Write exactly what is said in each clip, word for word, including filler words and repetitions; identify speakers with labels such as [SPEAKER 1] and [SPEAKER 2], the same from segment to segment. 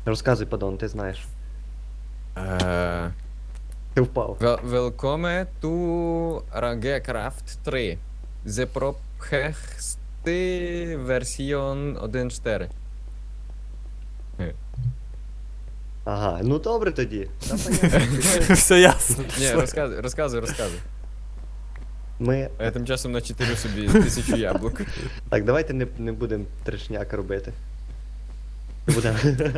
[SPEAKER 1] Розказуй, падон, ти знаєш.
[SPEAKER 2] Е,
[SPEAKER 1] Ти впав.
[SPEAKER 2] вел- Welcome to Ragecraft три. The Prophecy версіон один точка чотири.
[SPEAKER 1] Ага, ну добре тоді. Та понятно.
[SPEAKER 3] Все ясно.
[SPEAKER 2] Ні, розказуй, розказуй, розказуй.
[SPEAKER 1] Ми.
[SPEAKER 2] А я тим часом начитирю собі тисячу яблук.
[SPEAKER 1] Так, давайте не, не будемо трешняк робити. Не будемо.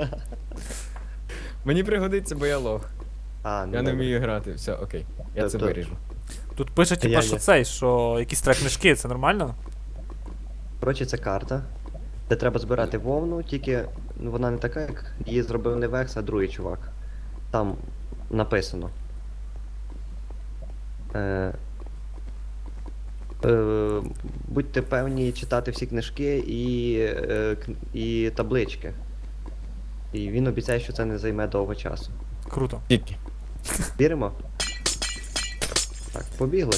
[SPEAKER 2] Мені пригодиться, бо я лох.
[SPEAKER 1] А, ну
[SPEAKER 2] Я не
[SPEAKER 1] добре.
[SPEAKER 2] вмію грати. Все, окей. Я це
[SPEAKER 1] Тобто-
[SPEAKER 2] виріжу.
[SPEAKER 3] Тут пише,
[SPEAKER 1] Я-
[SPEAKER 3] типа, що
[SPEAKER 1] я.
[SPEAKER 3] цей, що якісь трек книжки, це нормально?
[SPEAKER 1] Коротше, це карта, де треба збирати вовну, тільки ну, вона не така, як її зробив не Векс, а другий чувак. Там написано. Е, е, будьте певні читати всі книжки і, е, кн- і таблички. І він обіцяє, що це не займе довго часу.
[SPEAKER 3] Круто.
[SPEAKER 2] Тільки.
[SPEAKER 1] Віримо? Так, побігли.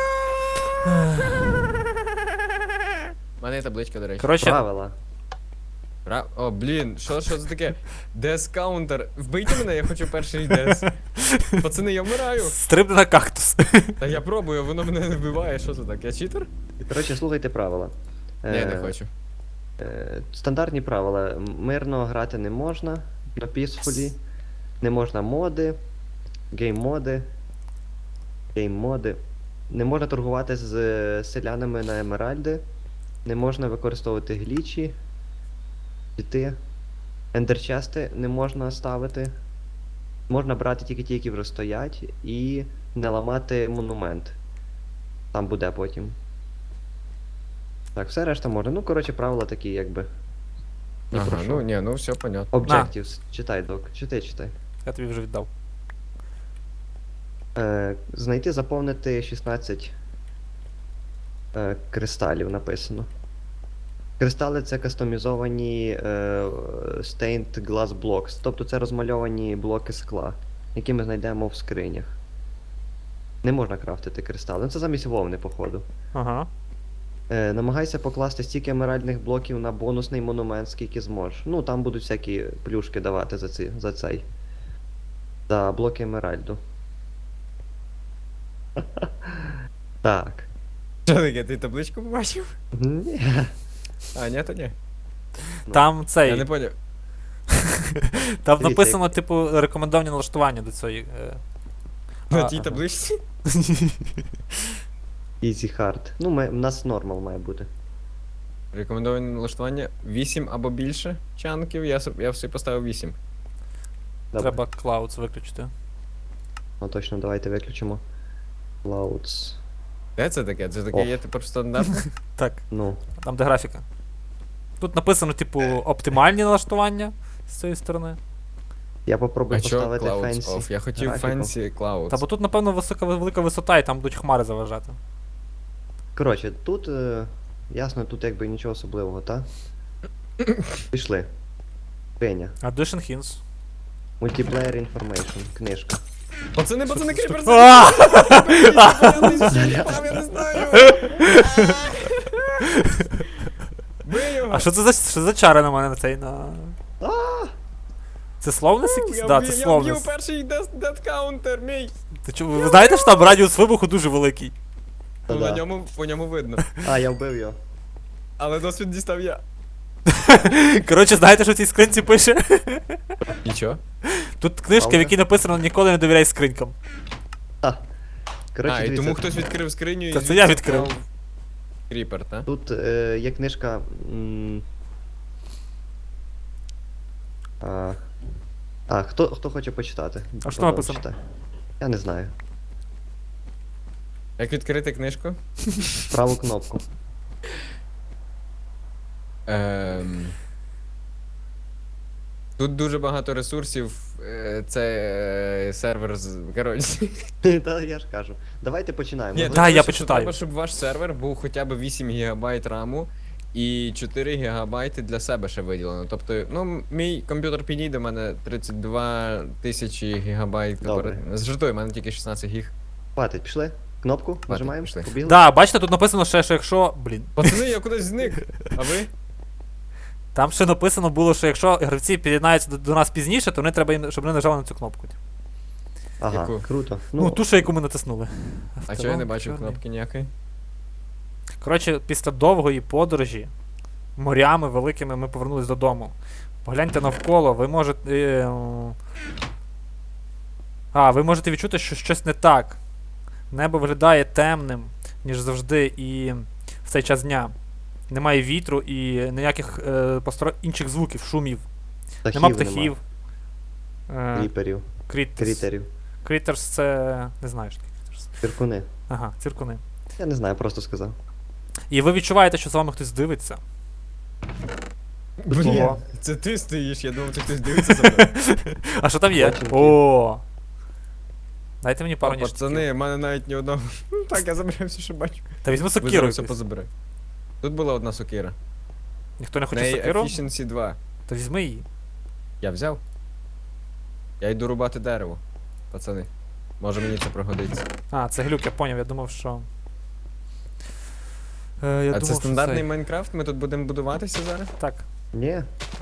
[SPEAKER 2] У мене є табличка, до речі.
[SPEAKER 3] Коротше,
[SPEAKER 1] Правила.
[SPEAKER 2] Ра... О, блін, що, що це таке? Дес каунтер. Вбийте мене, я хочу перший дес. Пацани, я вмираю.
[SPEAKER 3] стрибни на кактус.
[SPEAKER 2] Та я пробую, воно мене не вбиває. Що це так? Я читер?
[SPEAKER 1] Коротше, слухайте правила.
[SPEAKER 2] Ні, не
[SPEAKER 1] Е,
[SPEAKER 2] хочу.
[SPEAKER 1] Е, Стандартні правила. М- Мирно грати не можна на пісфолі. Не можна моди, гейм-моди. Гейм-моди. Не можна торгувати з е, селянами на емеральди. Не можна використовувати глічі. Піти. Ендерчести не можна ставити. Можна брати тільки ті, які вже стоять, і не ламати монумент. Там буде потім. Так, все решта можна. Ну, коротше, правила такі, якби. Ні про
[SPEAKER 2] Ага,
[SPEAKER 1] що.
[SPEAKER 2] ну ні, ну все понятно.
[SPEAKER 1] Objectives. Читай, док. Читай, читай.
[SPEAKER 3] Я тобі вже віддав.
[SPEAKER 1] Е, знайти, заповнити шістнадцять е, кристалів написано. Кристали це кастомізовані е, stained glass blocks, тобто це розмальовані блоки скла, які ми знайдемо в скринях. Не можна крафтити кристали. Ну це замість вовни, походу.
[SPEAKER 3] Ага.
[SPEAKER 1] Е, намагайся покласти стільки емеральних блоків на бонусний монумент, скільки зможеш. Ну, там будуть всякі плюшки давати за, ці, за цей. За блоки емеральду. Так.
[SPEAKER 2] Що таке, ти табличку побачив?
[SPEAKER 1] Ні.
[SPEAKER 2] А, ні, то ні.
[SPEAKER 3] Там
[SPEAKER 2] Я не
[SPEAKER 3] цей.
[SPEAKER 2] поняв.
[SPEAKER 3] Там
[SPEAKER 1] Дивіться,
[SPEAKER 3] написано, типу, рекомендовані налаштування до цієї. е,
[SPEAKER 2] На
[SPEAKER 3] А,
[SPEAKER 2] тій
[SPEAKER 1] ага.
[SPEAKER 2] табличці?
[SPEAKER 1] Easy hard. Ну, ми, у нас нормал має бути.
[SPEAKER 2] Рекомендоване налаштування вісім або більше чанків. Я, с- я все поставив вісім.
[SPEAKER 1] Добре.
[SPEAKER 3] Треба Clouds виключити.
[SPEAKER 1] Ну точно, давайте виключимо. Clouds.
[SPEAKER 2] Де це таке? Це таке
[SPEAKER 1] Ох.
[SPEAKER 2] є тепер стандартне?
[SPEAKER 3] Так,
[SPEAKER 1] Ну,
[SPEAKER 3] там де графіка. Тут написано, типу, оптимальні налаштування з цієї сторони.
[SPEAKER 1] я попробую
[SPEAKER 2] А чо
[SPEAKER 1] поставити
[SPEAKER 2] Clouds
[SPEAKER 1] фенсі.
[SPEAKER 2] off? Я хотів
[SPEAKER 1] графіку.
[SPEAKER 2] Fancy Clouds.
[SPEAKER 3] Та бо тут, напевно, висока велика висота і там будуть хмари заважати.
[SPEAKER 1] Коротше, тут, е, ясно, тут якби нічого особливого, та? Пішли. Пеня.
[SPEAKER 3] Addition hints.
[SPEAKER 1] Multiplayer information. Книжка.
[SPEAKER 2] Пацани, пацани, кріпер!
[SPEAKER 3] А!
[SPEAKER 2] Я не знаю! Бий його!
[SPEAKER 3] А що це за що за чара на мене на цей на. Це словнес якийсь?
[SPEAKER 2] Я
[SPEAKER 3] Да,
[SPEAKER 2] вб'ю-
[SPEAKER 3] це
[SPEAKER 2] Я вб'ю
[SPEAKER 3] словнес.
[SPEAKER 2] перший дед каунтер, мій!
[SPEAKER 3] Ти чу, ви знаєте, що там радіус вибуху дуже великий?
[SPEAKER 2] Ну, на
[SPEAKER 1] Та-да.
[SPEAKER 2] ньому, по ньому видно.
[SPEAKER 1] А, я вбив його.
[SPEAKER 2] Але досвід дістав я.
[SPEAKER 3] Коротше, знаєте, що в цій скринці пише?
[SPEAKER 2] Нічого?
[SPEAKER 3] Тут книжка, в
[SPEAKER 1] Правда?
[SPEAKER 3] якій написано ніколи не довіряй скринькам.
[SPEAKER 1] Та. Коротше,
[SPEAKER 2] А, і
[SPEAKER 1] дивіться,
[SPEAKER 2] тому хтось відкрив скриню і
[SPEAKER 3] Та це
[SPEAKER 2] звідси
[SPEAKER 3] я відкрив.
[SPEAKER 2] впав Кріпер, та?
[SPEAKER 1] Тут е, є книжка. М, а, а хто, хто хоче почитати?
[SPEAKER 3] А що
[SPEAKER 1] Падон,
[SPEAKER 3] написано?
[SPEAKER 1] читай. Я не знаю.
[SPEAKER 2] Як відкрити книжку?
[SPEAKER 1] Праву кнопку.
[SPEAKER 2] Ем... Тут дуже багато ресурсів. е, Це е, сервер з. Коротше.
[SPEAKER 1] Та я ж кажу. Давайте починаємо.
[SPEAKER 2] Ні,
[SPEAKER 1] Ви-
[SPEAKER 2] тут
[SPEAKER 3] Да, я
[SPEAKER 2] пише, що
[SPEAKER 3] почитаю.
[SPEAKER 2] Треба, щоб ваш сервер був хоча б вісім гігабайт раму і чотири гігабайти для себе ще виділено. Тобто, ну, мій комп'ютер підійде, в мене тридцять два тисячі гігабайт.
[SPEAKER 1] Добре.
[SPEAKER 2] Жартую, в мене тільки шістнадцять гіг.
[SPEAKER 1] Хватить, пішли? Кнопку нажимаємо?
[SPEAKER 2] пішли.
[SPEAKER 1] Побігли?
[SPEAKER 3] Да, бачите, тут написано ще, що якщо. Блін.
[SPEAKER 2] Пацани, я кудись зник. А ви?
[SPEAKER 3] Там ще написано було, що якщо гравці під'єднаються до, до нас пізніше, то вони треба, їм- щоб вони нажали на цю кнопку.
[SPEAKER 1] Ага,
[SPEAKER 2] Яку?
[SPEAKER 1] круто.
[SPEAKER 3] Ну,
[SPEAKER 1] Ну,
[SPEAKER 3] ту, що яку ми натиснули.
[SPEAKER 2] А чого я не бачив
[SPEAKER 3] Чорний.
[SPEAKER 2] кнопки ніякої?
[SPEAKER 3] Коротше, після довгої подорожі морями великими ми повернулись додому. Погляньте навколо, ви можете. Е, м, а, ви можете відчути, що щось не так. Небо виглядає темним, ніж завжди, і в цей час дня. Немає вітру і ніяких е, постро... інших звуків, шумів.
[SPEAKER 1] птахів
[SPEAKER 3] Нема птахів. Е,
[SPEAKER 1] Кріперів,
[SPEAKER 3] крітерс.
[SPEAKER 1] крітерів,
[SPEAKER 3] Крітерс це. Не знаю, що таке крітерс.
[SPEAKER 1] циркуни.
[SPEAKER 3] Ага, циркуни.
[SPEAKER 1] Я не знаю, просто сказав.
[SPEAKER 3] І ви відчуваєте, що за вами хтось дивиться.
[SPEAKER 2] Блін,
[SPEAKER 3] Ого.
[SPEAKER 2] це ти стоїш, я думав, це хтось дивиться за мною.
[SPEAKER 3] А що там є?
[SPEAKER 1] Бачимо.
[SPEAKER 3] О! Дайте мені пару
[SPEAKER 2] О,
[SPEAKER 3] ніж.
[SPEAKER 2] пацани, в мене навіть ні одного. Ну, Так, я забираю все, що бачу.
[SPEAKER 3] Та візьми
[SPEAKER 2] Ви
[SPEAKER 3] сокиру.
[SPEAKER 2] зараз все
[SPEAKER 3] якусь.
[SPEAKER 2] позабирай. Тут була одна сокира.
[SPEAKER 3] Ніхто не
[SPEAKER 2] В
[SPEAKER 3] хоче
[SPEAKER 2] неї
[SPEAKER 3] сокиру?
[SPEAKER 2] Efficiency два.
[SPEAKER 3] То візьми її.
[SPEAKER 2] Я взяв. Я йду рубати дерево. Пацани. Може мені це пригодиться.
[SPEAKER 3] А, це глюк, я поняв, я думав, що. Е, я
[SPEAKER 2] а
[SPEAKER 3] думав,
[SPEAKER 2] це
[SPEAKER 3] що
[SPEAKER 2] стандартний
[SPEAKER 3] цей-
[SPEAKER 2] Майнкрафт? Ми тут будемо будуватися зараз?
[SPEAKER 3] Так.
[SPEAKER 1] Ні,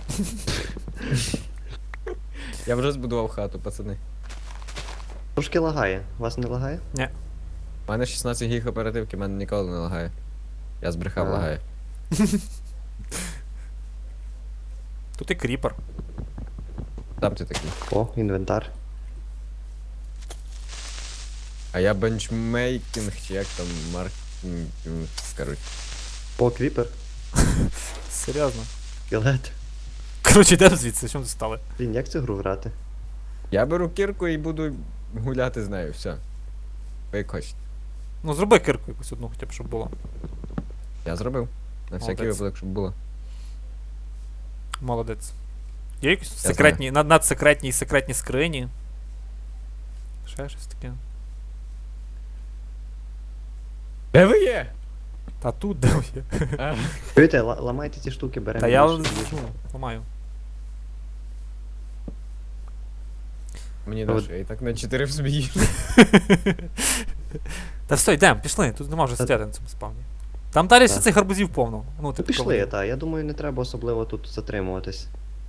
[SPEAKER 2] Я вже збудував хату, пацани.
[SPEAKER 1] трошки лагає. Вас не лагає?
[SPEAKER 2] У мене шістнадцять гіг оперативки, в мене ніколи не лагає. Я збрехав,
[SPEAKER 1] А.
[SPEAKER 2] лагає.
[SPEAKER 3] Тут і кріпер.
[SPEAKER 2] Там ти такий.
[SPEAKER 1] О, інвентар.
[SPEAKER 2] А я бенчмейкінг, чи як там маркетинг, коротше.
[SPEAKER 1] О, кріпер.
[SPEAKER 3] Серйозно.
[SPEAKER 1] Скелет.
[SPEAKER 3] Коротше, йдемо звідси, що ми тут стали?
[SPEAKER 1] Блін, як цю гру грати?
[SPEAKER 2] Я беру кірку і буду гуляти з нею, все. Ви як хочете.
[SPEAKER 3] Ну, зроби кирку якусь одну, хоча б, щоб було.
[SPEAKER 2] Я зробив. На всякий
[SPEAKER 3] Молодець.
[SPEAKER 2] випадок, щоб було.
[SPEAKER 3] Молодець. Є якісь тут
[SPEAKER 2] знаю.
[SPEAKER 3] секретні, над, надсекретні і секретні скрині? Ще щось таке.
[SPEAKER 2] Де ви є?
[SPEAKER 3] Та тут де ви є?
[SPEAKER 2] А,
[SPEAKER 1] Чуєте, ла- ламайте ці штуки, беремо.
[SPEAKER 3] Та я
[SPEAKER 1] більше, більше.
[SPEAKER 3] ну, ламаю.
[SPEAKER 2] Мені
[SPEAKER 1] От.
[SPEAKER 2] даш, я і так на чотири в собі їжу.
[SPEAKER 3] Та все, йдемо, пішли, тут нема вже стояти на цьому спавні. Там далі ще
[SPEAKER 1] Так.
[SPEAKER 3] цих гарбузів повно. Ну,
[SPEAKER 1] Ну,
[SPEAKER 3] типу,
[SPEAKER 1] пішли,
[SPEAKER 3] кавунів.
[SPEAKER 1] так. Я думаю, не треба особливо тут затримуватись.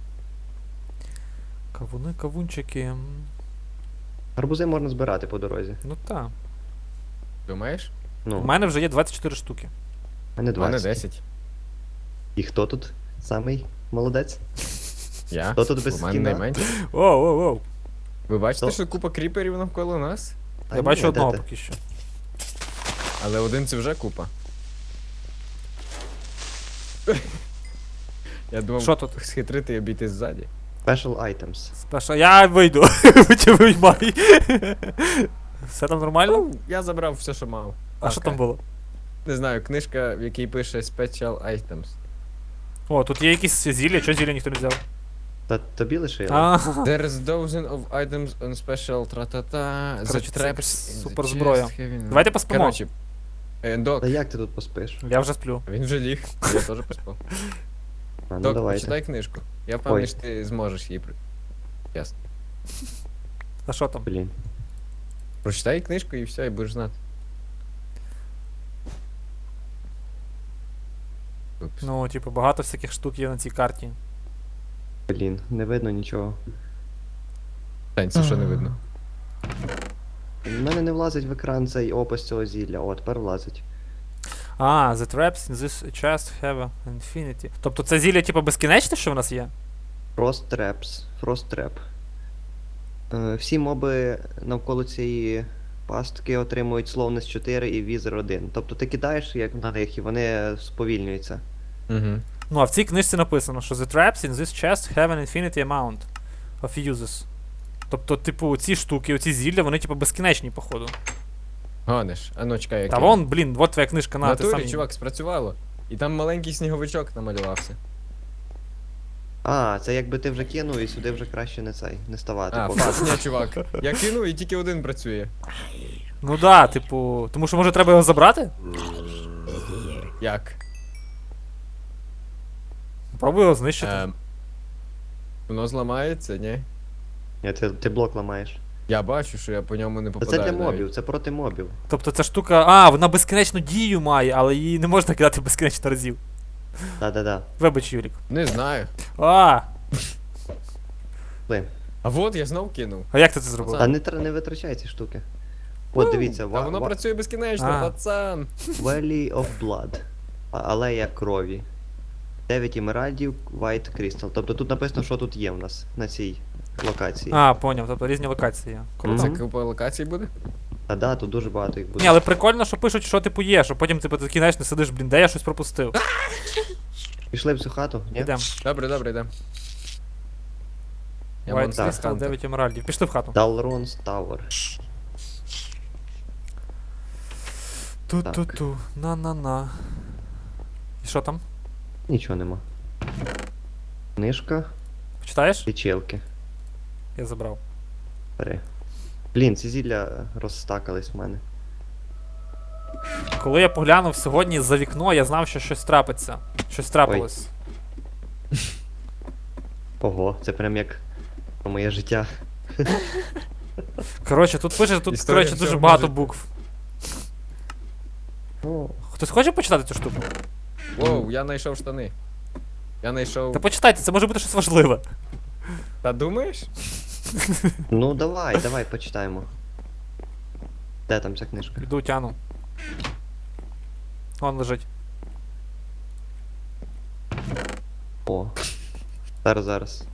[SPEAKER 3] Кавуни, кавунчики. м,
[SPEAKER 1] Гарбузи можна збирати по дорозі.
[SPEAKER 3] Ну так.
[SPEAKER 2] Думаєш?
[SPEAKER 1] Ну,
[SPEAKER 3] У мене вже є двадцять чотири штуки.
[SPEAKER 1] а не
[SPEAKER 2] У мене
[SPEAKER 1] двадцять.
[SPEAKER 2] десять.
[SPEAKER 1] І хто тут самий молодець?
[SPEAKER 2] Я?
[SPEAKER 1] Хто тут без
[SPEAKER 2] У мене
[SPEAKER 1] скіна?
[SPEAKER 2] найменше.
[SPEAKER 3] Оу, оу, оу.
[SPEAKER 2] Ви бачите,
[SPEAKER 1] Хто?
[SPEAKER 2] що купа кріперів навколо нас?
[SPEAKER 1] А
[SPEAKER 3] Я
[SPEAKER 1] ні,
[SPEAKER 3] бачу
[SPEAKER 1] де
[SPEAKER 3] одного
[SPEAKER 1] ти?
[SPEAKER 3] поки що.
[SPEAKER 2] Але один це вже купа. Я думав,
[SPEAKER 3] Що тут?
[SPEAKER 2] схитрити і обійти ззаді.
[SPEAKER 1] Special items.
[SPEAKER 3] Спершу я вийду. Чи виймай. Все там нормально?
[SPEAKER 2] Ну, я забрав все, що мав.
[SPEAKER 3] А що там було?
[SPEAKER 2] Не знаю, книжка, в якій пише Special Items.
[SPEAKER 3] О, тут є якісь зілля, що зілля ніхто не взяв?
[SPEAKER 1] Та тобі лишили?
[SPEAKER 3] А,
[SPEAKER 2] There is dozen of items on special тра-та-та. The
[SPEAKER 3] Коротше, це
[SPEAKER 2] traps
[SPEAKER 3] якась
[SPEAKER 2] in the
[SPEAKER 3] суперзброя.
[SPEAKER 2] chest having-
[SPEAKER 3] Давайте поспимо.
[SPEAKER 2] Коротше, е, Док,
[SPEAKER 1] Та як ти тут поспиш?
[SPEAKER 3] я вже сплю.
[SPEAKER 2] він вже ліг, я теж поспав.
[SPEAKER 1] А, ну
[SPEAKER 2] Док,
[SPEAKER 1] давайте.
[SPEAKER 2] почитай книжку. Я впевнений,
[SPEAKER 1] Ой.
[SPEAKER 2] що ти зможеш її при... Ясно.
[SPEAKER 3] А що там?
[SPEAKER 1] Блін.
[SPEAKER 2] Прочитай книжку і все, і будеш знати. Упс.
[SPEAKER 3] Ну, типу, багато всяких штук є на цій карті.
[SPEAKER 1] Блін, не видно нічого.
[SPEAKER 2] Тань, це що не видно?
[SPEAKER 1] У мене не влазить в екран цей опис цього зілля. О, тепер влазить.
[SPEAKER 3] А, the traps in this chest have an infinity. Тобто це зілля, типу, безкінечне, що в нас є?
[SPEAKER 1] Frost Traps. Frost Trap. Е, всі моби навколо цієї пастки отримують Slowness чотири і Wither один. Тобто ти кидаєш як на них і вони сповільнюються.
[SPEAKER 2] Угу.
[SPEAKER 3] Ну, а в цій книжці написано, що the traps in this chest have an infinity amount of uses. Тобто, типу, ці штуки, оці зілля, вони, типу, безкінечні, походу.
[SPEAKER 2] Гониш, а ну чекай, як
[SPEAKER 3] Та
[SPEAKER 2] я-
[SPEAKER 3] вон, блін, от твоя книжка
[SPEAKER 2] В
[SPEAKER 3] на ти
[SPEAKER 2] натурі,
[SPEAKER 3] сам.
[SPEAKER 2] чувак, спрацювало. І там маленький сніговичок намалювався.
[SPEAKER 1] А, це якби ти вже кинув і сюди вже краще не цей, не ставати.
[SPEAKER 2] А,
[SPEAKER 1] поки.
[SPEAKER 2] фак, ні, чувак. Я кинув і тільки один працює.
[SPEAKER 3] Ну да, типу, тому що може треба його забрати?
[SPEAKER 2] Як?
[SPEAKER 3] Пробуй його знищити.
[SPEAKER 2] Ем, воно зламається, ні?
[SPEAKER 1] Ні, ти, ти блок ламаєш.
[SPEAKER 2] Я бачу, що я по ньому не
[SPEAKER 1] Та
[SPEAKER 2] попадаю.
[SPEAKER 1] це для
[SPEAKER 2] навіть.
[SPEAKER 1] мобів, це проти мобів.
[SPEAKER 3] Тобто ця штука. А, вона безкінечну дію має, але її не можна кидати безкінечно разів.
[SPEAKER 1] Да-да-да.
[SPEAKER 3] Вибач, Юрік.
[SPEAKER 2] Не знаю.
[SPEAKER 3] А,
[SPEAKER 1] Ви.
[SPEAKER 2] А от я знов кинув.
[SPEAKER 3] а як ти це зробив?
[SPEAKER 1] Та не, тр- не витрачай ці штуки. От, дивіться,
[SPEAKER 2] А
[SPEAKER 1] ва-
[SPEAKER 2] воно
[SPEAKER 1] ва-
[SPEAKER 2] працює безкінечно,
[SPEAKER 3] А.
[SPEAKER 2] пацан.
[SPEAKER 1] Valley of Blood. А- Алея крові. дев'ять емеральдів, White Crystal. Тобто тут написано, що тут є в нас на цій локації.
[SPEAKER 3] А, поняв, тобто різні локації є. Круто.
[SPEAKER 2] Це
[SPEAKER 1] Мгм.
[SPEAKER 2] купа локацій буде?
[SPEAKER 1] А да, тут дуже багато їх буде.
[SPEAKER 3] Ні, але прикольно, що пишуть, що типу є, що потім типу, ти такий, знаєш, не сидиш, блін, де я щось пропустив.
[SPEAKER 1] Пішли в цю хату, ні?
[SPEAKER 3] Ідем.
[SPEAKER 2] Добре, добре, йдемо. Я
[SPEAKER 3] White
[SPEAKER 2] Monster
[SPEAKER 3] Crystal,
[SPEAKER 2] Hunter.
[SPEAKER 3] дев'ять емеральдів. Пішли в хату.
[SPEAKER 1] Dalron's Tower.
[SPEAKER 3] Ту-ту-ту, на-на-на. І що там?
[SPEAKER 1] Нічого нема. Книжка,
[SPEAKER 3] Почитаєш?
[SPEAKER 1] лічилки.
[SPEAKER 3] Я забрав.
[SPEAKER 1] Бери. Блін, ці зілля розстакались в мене.
[SPEAKER 3] Коли я поглянув сьогодні за вікно, я знав, що щось трапиться. Щось трапилось.
[SPEAKER 1] Ого, це прям як про моє життя.
[SPEAKER 3] Коротше, тут пише, тут,
[SPEAKER 2] Історія
[SPEAKER 3] коротше, дуже
[SPEAKER 2] всього
[SPEAKER 3] багато
[SPEAKER 2] життя.
[SPEAKER 3] букв.
[SPEAKER 1] Ну,
[SPEAKER 3] Хтось хоче почитати цю штуку?
[SPEAKER 2] Воу, я знайшов штани. Я знайшов.
[SPEAKER 3] Та почитайте, це може бути щось важливе.
[SPEAKER 2] Та думаєш?
[SPEAKER 1] ну давай, давай, почитаємо. Де там ця книжка?
[SPEAKER 3] Йду тяну. Вон лежить.
[SPEAKER 1] О. Зараз, зараз.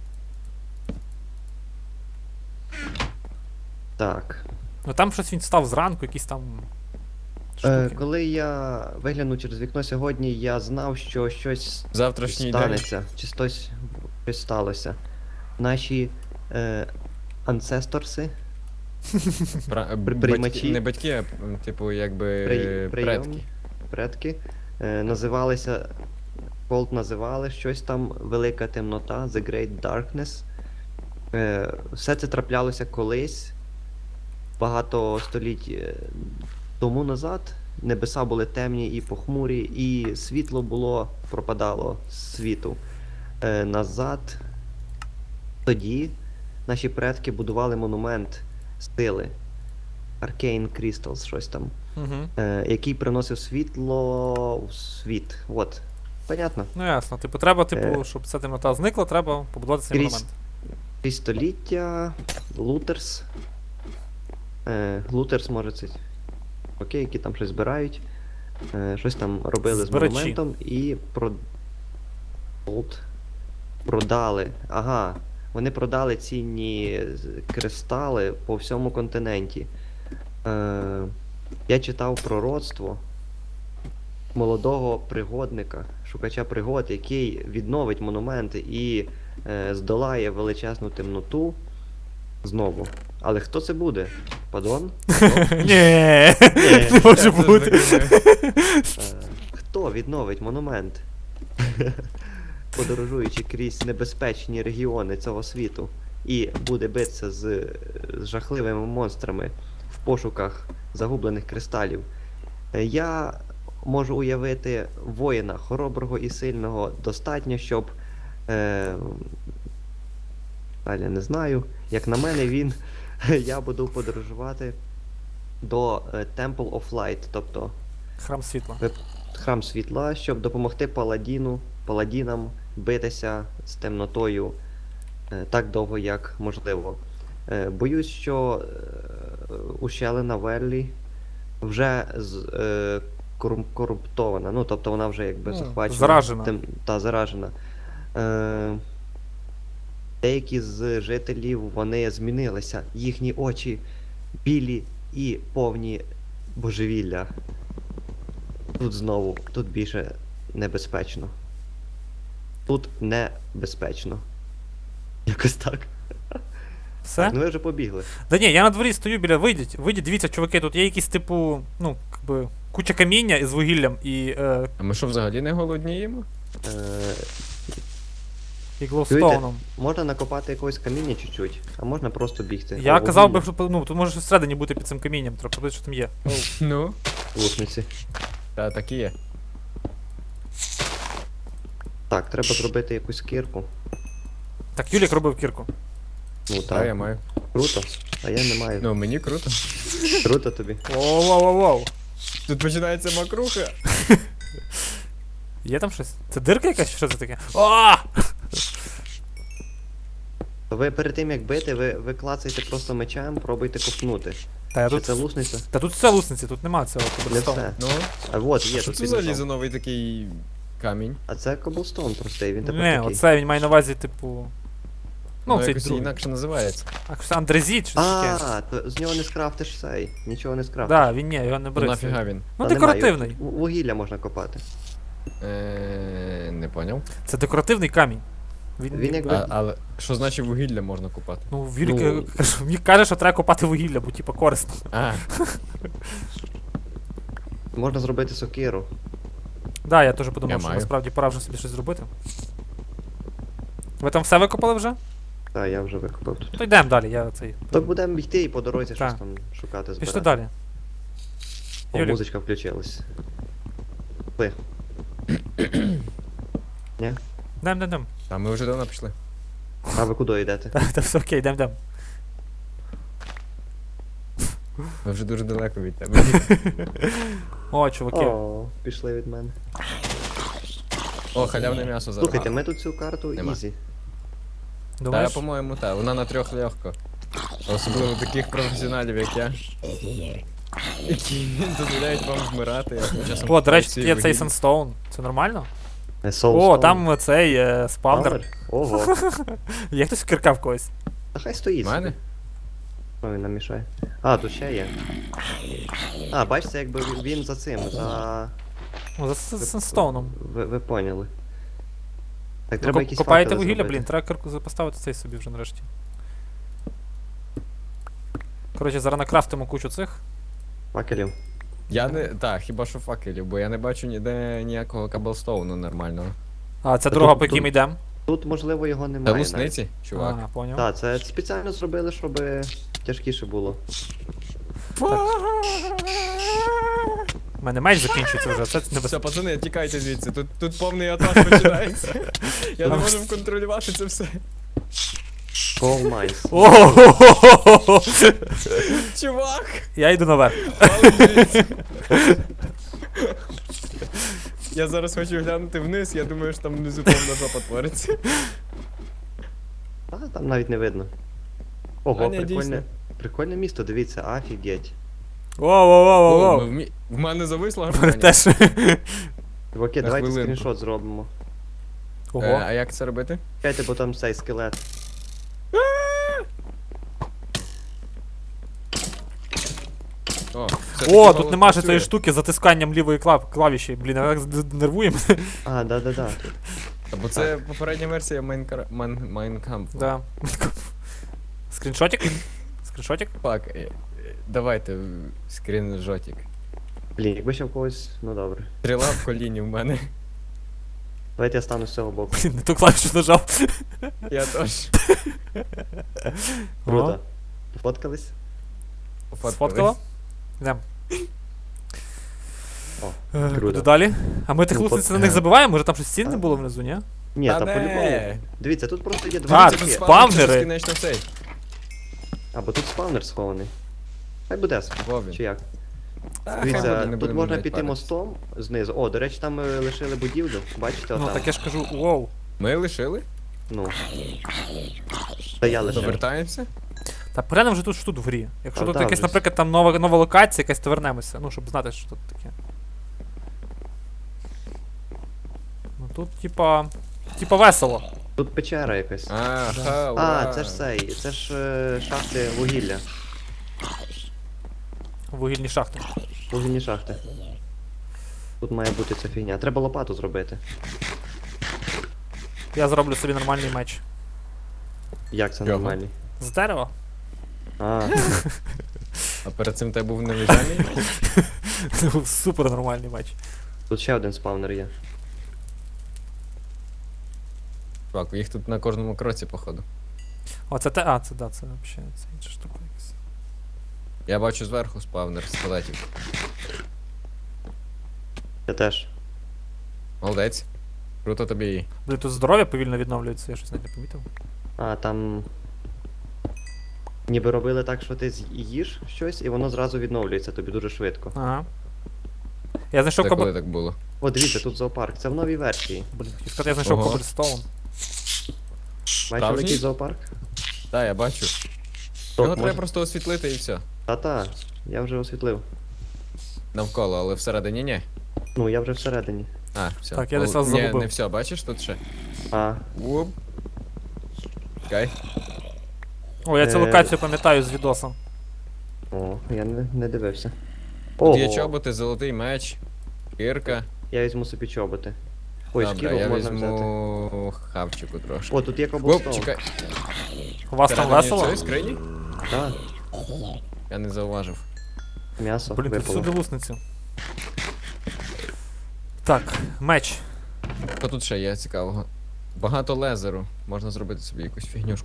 [SPEAKER 1] Так.
[SPEAKER 3] Ну там щось він став зранку, якісь там.
[SPEAKER 1] Е,
[SPEAKER 3] Штуки.
[SPEAKER 1] коли я виглянув через вікно сьогодні, я знав, що щось
[SPEAKER 2] Завтрашній день.
[SPEAKER 1] станеться. Чи щось, щось сталося. Наші е, ансесторси,
[SPEAKER 2] Пра-
[SPEAKER 1] При-
[SPEAKER 2] батьки-
[SPEAKER 1] приймачі.
[SPEAKER 2] Не батьки, а м, типу, якби
[SPEAKER 1] при, прийомні,
[SPEAKER 2] предки.
[SPEAKER 1] предки, е, називалися. Колт називали щось там Велика темнота, The Great Darkness. Е, все це траплялося колись, багато століть е, тому назад. Небеса були темні і похмурі, і світло було, пропадало з світу. Е, назад. Тоді наші предки будували монумент сили. Arcane Crystals, щось там.
[SPEAKER 3] Угу.
[SPEAKER 1] Е, який приносив світло в світ. От. Понятно?
[SPEAKER 3] Ну ясно. Типу, треба, типу,
[SPEAKER 1] Е.
[SPEAKER 3] щоб ця темнота зникла, треба побудувати цей
[SPEAKER 1] Крізь-
[SPEAKER 3] монумент.
[SPEAKER 1] Крізь століття, Лутерс. Е, Лутерс, може, це окей, які там щось збирають. Е, щось там робили
[SPEAKER 3] Збирачі.
[SPEAKER 1] з монументом і про... От. продали. Ага. Вони продали цінні з- кристали по всьому континенті. Е, я читав пророцтво молодого пригодника, шукача пригод, який відновить монументи і е, здолає величезну темноту знову. Але хто це буде? Падон?
[SPEAKER 3] Ні, не може
[SPEAKER 2] Я теж
[SPEAKER 3] бути.
[SPEAKER 2] так думаю.
[SPEAKER 1] Е, хто відновить монумент? Подорожуючи крізь небезпечні регіони цього світу, і буде битися з, з жахливими монстрами в пошуках загублених кристалів. Е, Я можу уявити воїна хороброго і сильного достатньо, щоб. Е, далі не знаю. Як на мене, він. Я буду подорожувати до е, Temple of Light, тобто
[SPEAKER 3] Храм світла.
[SPEAKER 1] храм світла, щоб допомогти паладіну, паладінам битися з темнотою е, так довго, як можливо. Е, боюсь, що е, ущелина Веллі вже з, е, корум- корумптована, ну тобто вона вже якби
[SPEAKER 3] Ну,
[SPEAKER 1] захвачена.
[SPEAKER 3] заражена.
[SPEAKER 1] Тем, та заражена. Е, деякі з жителів вони змінилися, їхні очі білі і повні божевілля. Тут знову, тут більше небезпечно. Тут небезпечно. Якось так.
[SPEAKER 3] Все?
[SPEAKER 1] Ну ви вже побігли.
[SPEAKER 3] Да ні, я на дворі стою біля, вийдіть, вийдіть, дивіться, чуваки, тут є якісь типу, ну, якби, куча каміння із вугіллям і, е,
[SPEAKER 2] А ми що, взагалі не голодніємо?
[SPEAKER 1] Е,
[SPEAKER 3] і глоустоуном.
[SPEAKER 1] можна накопати якогось каміння чуть-чуть, а можна просто бігти.
[SPEAKER 3] Я
[SPEAKER 1] О,
[SPEAKER 3] казав би,
[SPEAKER 1] вугілля,
[SPEAKER 3] що ну, тут може щось всередині бути під цим камінням, треба подивитися, що там є.
[SPEAKER 2] Ну,
[SPEAKER 1] лусниці.
[SPEAKER 2] та так і є.
[SPEAKER 1] Так, треба зробити якусь кірку.
[SPEAKER 3] Так, Юлік робив кірку.
[SPEAKER 1] Ну
[SPEAKER 2] Та я
[SPEAKER 1] так,
[SPEAKER 2] маю.
[SPEAKER 1] круто. А я не маю.
[SPEAKER 2] Ну, мені круто.
[SPEAKER 1] Круто тобі.
[SPEAKER 3] Воу-воу-воу-воу.
[SPEAKER 2] Тут починається макруха.
[SPEAKER 3] Є там щось? Це дирка якась? Що це таке? О!
[SPEAKER 1] То ви перед тим як бити, ви, ви клацаєте просто мечем, пробуйте копнути.
[SPEAKER 3] Та, я
[SPEAKER 1] Чи
[SPEAKER 3] тут...
[SPEAKER 1] це лусниця?
[SPEAKER 3] Та тут все лусниці, тут нема цього
[SPEAKER 1] Не
[SPEAKER 3] коблстоуну.
[SPEAKER 1] все.
[SPEAKER 2] Ну,
[SPEAKER 1] А от є,
[SPEAKER 2] що
[SPEAKER 1] тут
[SPEAKER 2] це за
[SPEAKER 1] піднесов.
[SPEAKER 2] лізоновий такий камінь?
[SPEAKER 1] А це коблстоун простий, він тепер
[SPEAKER 3] Не,
[SPEAKER 1] такий.
[SPEAKER 3] оце він має на увазі, типу. Ну,
[SPEAKER 2] Ну,
[SPEAKER 3] цей
[SPEAKER 2] якось
[SPEAKER 3] другий.
[SPEAKER 2] інакше називається.
[SPEAKER 3] А що, андрезіт, щось таке.
[SPEAKER 1] А, то з нього не скрафтиш цей. Нічого не скрафтиш.
[SPEAKER 3] Да, він ні, його не
[SPEAKER 2] Ну
[SPEAKER 3] бери.
[SPEAKER 2] нафіга він?
[SPEAKER 3] Ну,
[SPEAKER 1] Та
[SPEAKER 3] декоративний.
[SPEAKER 1] немає, в- Вугілля можна копати.
[SPEAKER 2] Е, не поняв.
[SPEAKER 3] Це декоративний камінь. Він,
[SPEAKER 1] Він
[SPEAKER 3] ніби-
[SPEAKER 1] якби-
[SPEAKER 2] А, але що значить вугілля можна купати?
[SPEAKER 3] Ну, Вілік
[SPEAKER 1] Ну.
[SPEAKER 3] каже, мені каже, що треба копати вугілля, бо типа корисно.
[SPEAKER 2] А,
[SPEAKER 1] Можна зробити сокиру.
[SPEAKER 3] Да, я теж подумав,
[SPEAKER 2] Я
[SPEAKER 3] що
[SPEAKER 2] маю.
[SPEAKER 3] насправді пора вже собі щось зробити. Ви там все викопали вже?
[SPEAKER 1] Та, я вже викопав тут.
[SPEAKER 3] То йдемо далі, я цей.
[SPEAKER 1] То будемо йти і по дорозі
[SPEAKER 3] Так.
[SPEAKER 1] щось там шукати, збирати.
[SPEAKER 3] Пішли далі.
[SPEAKER 1] О,
[SPEAKER 3] Юлік.
[SPEAKER 1] музичка включилась. Пли. Ні?
[SPEAKER 3] Йдем, йдем, йдем.
[SPEAKER 2] та ми вже давно пішли.
[SPEAKER 1] А ви куди йдете?
[SPEAKER 3] Та, та все окей, йдем, йдем.
[SPEAKER 2] Ми вже дуже далеко від тебе.
[SPEAKER 3] О, чуваки.
[SPEAKER 1] О, пішли від мене.
[SPEAKER 2] О, халявне м'ясо зараз.
[SPEAKER 1] Слухайте, ми тут цю карту
[SPEAKER 2] Нема.
[SPEAKER 1] ізі.
[SPEAKER 2] Та,
[SPEAKER 3] Думаєш?
[SPEAKER 2] по-моєму, та, вона на трьох легко. Особливо таких професіоналів, як я. Які дозволяють вам вмирати. а тим часом
[SPEAKER 3] О, до речі,
[SPEAKER 2] всі
[SPEAKER 3] тут є цей
[SPEAKER 2] вугілля.
[SPEAKER 3] Санстоун. Це нормально?
[SPEAKER 1] Е, Soulstone.
[SPEAKER 3] О, там цей е, спавнер.
[SPEAKER 1] Павер? Ого.
[SPEAKER 3] Є хтось кирка в когось?
[SPEAKER 1] Та хай стоїть.
[SPEAKER 2] В мене?
[SPEAKER 1] Що він нам мішає? А, тут ще є. А, бачите, якби він за цим, за...
[SPEAKER 3] О, за Сан- Санстоуном.
[SPEAKER 1] Ви, ви поняли. Так,
[SPEAKER 3] Ви
[SPEAKER 1] треба
[SPEAKER 3] коп-
[SPEAKER 1] якісь
[SPEAKER 3] Копаєте
[SPEAKER 1] факели
[SPEAKER 3] вугілля,
[SPEAKER 1] зробити.
[SPEAKER 3] блін, треба кирку за- поставити цей собі вже нарешті. Коротше, зараз накрафтимо кучу цих.
[SPEAKER 1] Факелів.
[SPEAKER 2] Я не. Так, хіба що факелів, бо я не бачу ніде ніякого каблстоуну нормального.
[SPEAKER 3] А, це
[SPEAKER 1] Та
[SPEAKER 3] дорога,
[SPEAKER 1] тут-
[SPEAKER 3] по якій
[SPEAKER 1] тут-
[SPEAKER 3] ми йдемо.
[SPEAKER 1] Тут, можливо, його
[SPEAKER 2] Та
[SPEAKER 1] немає.
[SPEAKER 2] лусниці, чувак.
[SPEAKER 3] А, поняв.
[SPEAKER 1] Так, це спеціально зробили, щоб тяжкіше було.
[SPEAKER 3] У мене меч закінчується вже, це
[SPEAKER 2] Все,
[SPEAKER 3] небезпечно.
[SPEAKER 2] пацани, тікайте звідси. Тут, тут повний атак починається. Я не можу контролювати це все.
[SPEAKER 1] Coal Mines.
[SPEAKER 3] О,
[SPEAKER 2] Чувак!
[SPEAKER 3] я йду наверх.
[SPEAKER 2] Палець звідси. Я зараз хочу глянути вниз, я думаю, що там внизу повна жопа твориться.
[SPEAKER 1] А, там навіть не видно. Ого,
[SPEAKER 2] А, ні,
[SPEAKER 1] прикольне.
[SPEAKER 2] дійсно.
[SPEAKER 1] Прикольне місто, дивіться, офігеть.
[SPEAKER 3] Воу, воу, воу,
[SPEAKER 2] О,
[SPEAKER 3] воу.
[SPEAKER 2] ми вмі- В мене зависло
[SPEAKER 3] Мене
[SPEAKER 2] гармонія.
[SPEAKER 3] теж.
[SPEAKER 1] Чуваки,
[SPEAKER 2] На
[SPEAKER 1] давайте
[SPEAKER 2] хвилинку.
[SPEAKER 1] скріншот зробимо.
[SPEAKER 2] Е,
[SPEAKER 3] Ого.
[SPEAKER 2] А як це робити?
[SPEAKER 1] Чекайте, бо там цей скелет.
[SPEAKER 2] О,
[SPEAKER 3] О, тут нема ж цієї штуки з затисканням лівої клав- клавіші. Блін, я так з- нервує мене.
[SPEAKER 1] А, да-да-да.
[SPEAKER 2] Бо це попередня версія Майнкра... Майн... Майнкампу.
[SPEAKER 3] Да. Скріншотик? Скріншотик?
[SPEAKER 2] Так, е, е, давайте е, скрінжотик.
[SPEAKER 1] Блін, якби ще в когось, ну добре.
[SPEAKER 2] Стріла в коліні в мене.
[SPEAKER 1] Давайте я стану з цього боку.
[SPEAKER 3] Блін, не ту клавішу нажав.
[SPEAKER 2] Я теж.
[SPEAKER 1] Круто. Пофоткались?
[SPEAKER 2] Пофоткали.
[SPEAKER 3] Сфоткала? Йдем.
[SPEAKER 1] О,
[SPEAKER 3] Е,
[SPEAKER 1] круто.
[SPEAKER 3] Куди далі? А ми тих
[SPEAKER 1] Ну,
[SPEAKER 3] лусниць
[SPEAKER 1] фот-
[SPEAKER 3] на них
[SPEAKER 2] е.
[SPEAKER 3] забиваємо? Може там щось цінне було внизу, ні?
[SPEAKER 1] Ні,
[SPEAKER 2] Та
[SPEAKER 1] та
[SPEAKER 2] не.
[SPEAKER 1] по-любому. Дивіться, тут просто є
[SPEAKER 3] А,
[SPEAKER 1] два
[SPEAKER 3] тут
[SPEAKER 1] типи.
[SPEAKER 3] спа- спавнери.
[SPEAKER 2] Безкінечно цей.
[SPEAKER 1] Або тут спавнер схований. Хай буде.
[SPEAKER 2] Вовін.
[SPEAKER 1] Чи як?
[SPEAKER 2] Та, хай буде,
[SPEAKER 1] Дивіться,
[SPEAKER 2] не
[SPEAKER 1] тут
[SPEAKER 2] будемо
[SPEAKER 1] можна
[SPEAKER 2] навіть
[SPEAKER 1] піти
[SPEAKER 2] паритись.
[SPEAKER 1] мостом знизу. О, до речі, там ми лишили будівлю. Бачите,
[SPEAKER 3] Ну
[SPEAKER 1] отам.
[SPEAKER 3] так я ж кажу, воу.
[SPEAKER 2] Ми лишили?
[SPEAKER 1] Ну. Та я лишив.
[SPEAKER 2] Повертаємося?
[SPEAKER 3] Та перенем вже тут що тут в грі. Якщо
[SPEAKER 1] А,
[SPEAKER 3] тут
[SPEAKER 1] там
[SPEAKER 3] якась,
[SPEAKER 1] же.
[SPEAKER 3] наприклад, там нова, нова локація, якась то вернемося. Ну, щоб знати, що тут таке. Ну тут, типа. Типа весело.
[SPEAKER 1] Тут печера якась.
[SPEAKER 2] А,
[SPEAKER 3] Да.
[SPEAKER 2] ха,
[SPEAKER 1] А,
[SPEAKER 2] ура.
[SPEAKER 1] це ж цей, це ж е, шахти вугілля.
[SPEAKER 3] Вугільні шахти.
[SPEAKER 1] Вугільні шахти. Тут має бути ця фігня. Треба лопату зробити.
[SPEAKER 3] Я зроблю собі нормальний меч.
[SPEAKER 1] Як це
[SPEAKER 2] Чого?
[SPEAKER 1] нормально?
[SPEAKER 3] З дерева?
[SPEAKER 1] А,
[SPEAKER 2] А перед цим тебе був невіжальний?
[SPEAKER 3] Це був супер нормальний меч.
[SPEAKER 1] тут ще один спавнер є.
[SPEAKER 2] Чувак, їх тут на кожному кроці, походу.
[SPEAKER 3] О, це те. А, це да, це взагалі це інша штука якась.
[SPEAKER 2] Я бачу зверху спавнер скелетів.
[SPEAKER 1] Я теж.
[SPEAKER 2] Молодець. Круто тобі.
[SPEAKER 3] Блін, тут здоров'я повільно відновлюється, я щось навіть не помітив.
[SPEAKER 1] А, там. Ніби робили так, що ти з'їш щось, і воно зразу відновлюється тобі дуже швидко.
[SPEAKER 3] Ага. Я знайшов
[SPEAKER 2] Це
[SPEAKER 3] кобл...
[SPEAKER 2] коли так було?
[SPEAKER 1] О, дивіться, тут зоопарк. Це в новій версії.
[SPEAKER 3] Блін, хотів сказати, я знайшов
[SPEAKER 2] Ого.
[SPEAKER 3] коблстоун.
[SPEAKER 1] Бачиш,
[SPEAKER 2] Справжній?
[SPEAKER 1] який зоопарк?
[SPEAKER 2] Так, я бачу.
[SPEAKER 1] Тот,
[SPEAKER 2] Його треба
[SPEAKER 1] може-
[SPEAKER 2] просто освітлити і все.
[SPEAKER 1] Та-та, я вже освітлив.
[SPEAKER 2] Навколо, але всередині ні.
[SPEAKER 1] Ну, я вже всередині.
[SPEAKER 2] А, все.
[SPEAKER 3] Так, я десь
[SPEAKER 2] Ну,
[SPEAKER 3] вас
[SPEAKER 2] ні,
[SPEAKER 3] загубив.
[SPEAKER 2] не все, бачиш тут ще?
[SPEAKER 1] А,
[SPEAKER 2] Уп. Чекай.
[SPEAKER 3] О, я цю
[SPEAKER 1] Е.
[SPEAKER 3] локацію пам'ятаю з відосом.
[SPEAKER 1] о, я не, не дивився.
[SPEAKER 2] Тут є
[SPEAKER 1] Ого,
[SPEAKER 2] чоботи, золотий меч, кирка.
[SPEAKER 1] я візьму собі чоботи. Ой,
[SPEAKER 2] Добре,
[SPEAKER 1] шкіру
[SPEAKER 2] я
[SPEAKER 1] можна взяти.
[SPEAKER 2] візьму хавчику трошки.
[SPEAKER 1] О, тут є
[SPEAKER 2] Оп,
[SPEAKER 1] коблстоун.
[SPEAKER 2] чекай.
[SPEAKER 3] У вас там
[SPEAKER 2] Всередині
[SPEAKER 3] весело?
[SPEAKER 2] цієї скрині?
[SPEAKER 1] Так,
[SPEAKER 2] Я не зауважив.
[SPEAKER 1] м'ясо
[SPEAKER 3] Блін, тут
[SPEAKER 1] випало.
[SPEAKER 3] всюди лусниці. Так, меч.
[SPEAKER 2] Що тут ще є цікавого? Багато лезеру. Можна зробити собі якусь фігнюшку.